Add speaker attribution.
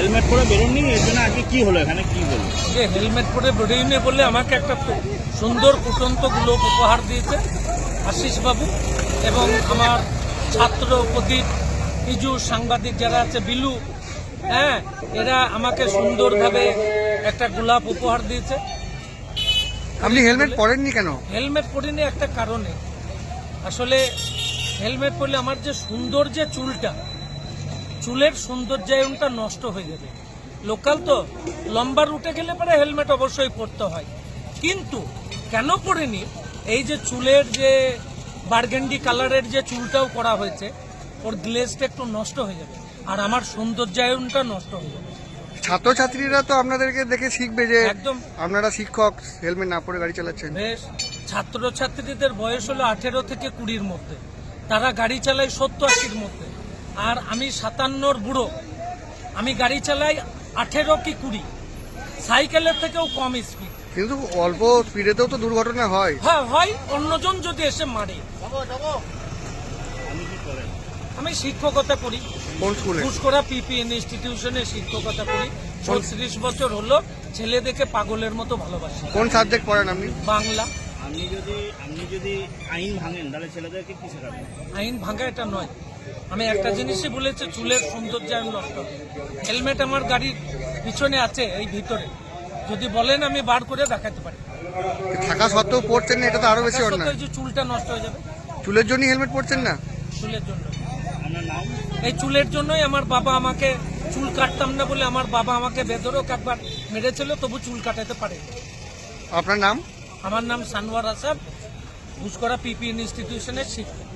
Speaker 1: Helmet পরে বেরোননি, এর জন্য আজকে কি হলো এখানে, কি বলবো?
Speaker 2: যে হেলমেট পরে বেরোয়নি বলে আমাকে একটা সুন্দর ফুটন্ত গ্লোব উপহার দিয়েছে আশিস বাবু, এবং আমার ছাত্র প্রদীপ, পিজু, সাংবাদিক যারা আছে, বিলু, হ্যাঁ, এরা আমাকে সুন্দরভাবে একটা গোলাপ উপহার দিয়েছে।
Speaker 3: আপনি হেলমেট পরেননি কেন?
Speaker 2: হেলমেট পরিনি একটা কারণে, আসলে হেলমেট পরলে আমার যে সুন্দর যে চুলটা, চুলের সৌন্দর্যায়নটা নষ্ট হয়ে যাবে। লোকাল তো লম্বা রুটে গেলে পরে হেলমেট অবশ্যই পরতে হয়, কিন্তু কেন পরিনি, এই যে চুলের যে বার্গেন্ডি কালারের যে চুলটাও করা হয়েছে, ওর গ্লেজটা একটু নষ্ট হয়ে যাবে আর আমার সৌন্দর্যায়নটা নষ্ট হয়ে যাবে।
Speaker 3: ছাত্রছাত্রীরা তো আপনাদেরকে দেখে শিখবে যে
Speaker 2: একদম
Speaker 3: আপনারা শিক্ষক, হেলমেট না পরে গাড়ি চালাচ্ছেন।
Speaker 2: বেশ, ছাত্রছাত্রীদের বয়স হলো 18 থেকে 20-র মধ্যে, তারা গাড়ি চালায় 70-80-র মধ্যে, আর আমি 57-র বুড়ো, আমি গাড়ি চালাই 18 কি 20, সাইকেলের থেকেও কম স্পিড।
Speaker 3: কিন্তু অল্প স্পিডেতেও তো দুর্ঘটনা হয়।
Speaker 2: হ্যাঁ হয়, অন্যজন যদি এসে মারে।
Speaker 1: আমি কি করেন?
Speaker 2: আমি শিক্ষকতা করি,
Speaker 3: কোন স্কুলে?
Speaker 2: ঘুষকরা পিপিএন ইনস্টিটিউশনে শিক্ষকতা করি। 36 বছর হলো, ছেলে দেখে পাগলের মতো ভালোবাসি।
Speaker 3: কোন সাবজেক্ট পড়েন আপনি?
Speaker 2: বাংলা।
Speaker 1: আপনি যদি আইন ভাঙেন তাহলে ছেলেদেরকে কি শেখাবেন?
Speaker 2: আইন ভাঙা এটা নয়, আমি একটা জিনিসই বলেছি, চুলের সৌন্দর্যায়ন নষ্ট। হেলমেট আমার গাড়ির পিছনে আছে, এই ভিতরে, যদি বলেন আমি বার করে দেখাতে পারি।
Speaker 3: থাকা সত্ত্বেও পড়ছেন না, এটা তো আরো বেশি
Speaker 2: সত্যি
Speaker 3: অন্যায়।
Speaker 2: এই যে চুলটা নষ্ট হয়ে যাবে,
Speaker 3: চুলের জন্য হেলমেট পড়ছেন না?
Speaker 2: চুলের জন্য।
Speaker 1: আপনার নাম?
Speaker 2: এই চুলের জন্যই আমার বাবা আমাকে, চুল কাটতাম না বলে আমার বাবা আমাকে বেদরক একবার মেরেছিল, তবু চুল কাটাতে পারে।
Speaker 3: আপনার নাম?
Speaker 2: আমার নাম সানোয়ার আসাদ, ঘুষকরা পিপিএন ইনস্টিটিউশনের শিক্ষক।